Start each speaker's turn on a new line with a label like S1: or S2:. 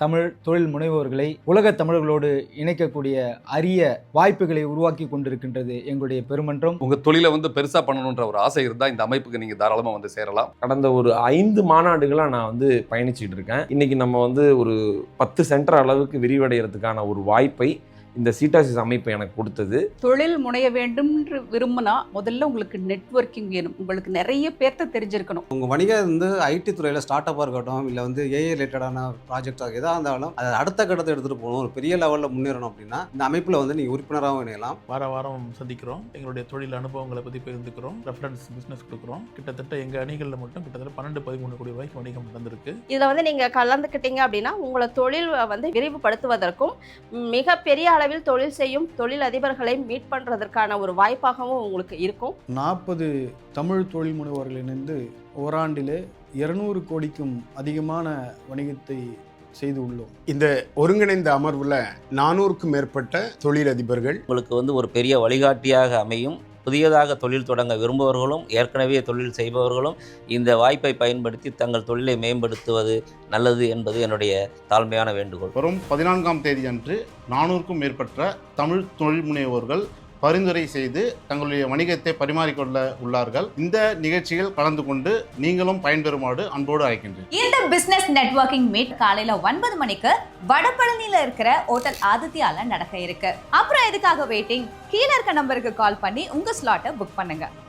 S1: தமிழ் தொழில் முனைவோர்களை உலக தமிழர்களோடு இணைக்கக்கூடிய அரிய வாய்ப்புகளை உருவாக்கி கொண்டிருக்கின்றது எங்களுடைய பெருமன்றம்.
S2: உங்க தொழிலை பெருசா பண்ணணுன்ற ஒரு ஆசை இருந்தா இந்த அமைப்புக்கு நீங்க தாராளமா சேரலாம்.
S3: கடந்த ஒரு 5 மாநாடுகளா நான் பயணிச்சுட்டு இருக்கேன். இன்னைக்கு நம்ம ஒரு 10 சென்டர் அளவுக்கு விரிவடைகிறதுக்கான ஒரு வாய்ப்பை இந்த சீட்டாசிஸ் அமைப்பு எனக்கு கொடுத்தது.
S4: தொழில் முனைய வேண்டும் என்று விரும்பினா முதல்ல உங்களுக்கு நெட்வொர்க்கிங் வேணும். உங்களுக்கு நிறைய பேர்த்த தெரிஞ்சிருக்கணும்.
S5: உங்கள் வணிகம் ஐடி துறையில் ஸ்டார்ட் அப்பாக இருக்கட்டும், இல்லை ஏஐ ரிலேட்டடான ப்ராஜெக்டாக எதாக இருந்தாலும் அதை அடுத்த கட்டத்தை எடுத்துகிட்டு போகணும், ஒரு பெரிய லெவலில் முன்னேறணும் அப்படின்னா இந்த அமைப்பில் நீங்கள் உறுப்பினராகவும் இணையலாம்.
S6: வாரம் சந்திக்கிறோம். எங்களுடைய தொழில் அனுபவங்களை பற்றி பகிர்ந்துக்கிறோம். ரெஃபரன்ஸ் பிஸ்னஸ் கொடுக்குறோம். கிட்டத்தட்ட எங்கள் அணிகளில் மட்டும் கிட்டத்தட்ட 12-13 கோடி ரூபாய்க்கு வணிகம் நடந்திருக்கு.
S7: இதில் நீங்கள் கலந்துக்கிட்டீங்க அப்படின்னா உங்களை தொழில் விரிவுபடுத்துவதற்கும் மிகப்பெரிய அளவில் தொழில் செய்யும் தொழில் அதிபர்களை மீட் பண்றதற்கான ஒரு வாய்ப்பாகவும் உங்களுக்கு இருக்கும்.
S8: 40 தமிழ் தொழில் முனைவோர்கள் இணைந்து ஓராண்டிலே 200 கோடிக்கும் அதிகமான வணிகத்தை செய்து உள்ளோம்.
S9: இந்த ஒருங்கிணைந்த அமர்வுல 400க்கும் மேற்பட்ட தொழிலதிபர்கள்
S10: உங்களுக்கு ஒரு பெரிய வழிகாட்டியாக அமையும். புதியதாக தொழில் தொடங்க விரும்புபவர்களும் ஏற்கனவே தொழில் செய்பவர்களும் இந்த வாய்ப்பை பயன்படுத்தி தங்கள் தொழிலை மேம்படுத்துவது நல்லது என்பது என்னுடைய தாழ்மையான வேண்டுகோள்.
S11: வரும் 14ஆம் தேதி அன்று 400க்கும் மேற்பட்ட தமிழ் தொழில் முனைவோர்கள் பரிந்துரை செய்து தங்களுடைய வணிகத்தை பரிமாறிக்கொள்ள உள்ளார்கள். இந்த நிகழ்ச்சியில் கலந்து கொண்டு நீங்களும் பயன்பெறுமாறு அன்போடு அழைக்கின்றேன்.
S12: இந்த பிசினஸ் நெட்வொர்க்கிங் மீட் காலையில 9 மணிக்கு வடபழனியில இருக்கிற ஹோட்டல் ஆதித்யால நடக்க இருக்கு. அப்புறம் எதுக்காக வெயிட்டிங்? கீழே இருக்க நம்பருக்கு கால் பண்ணி உங்க ஸ்லாட்டை புக் பண்ணுங்க.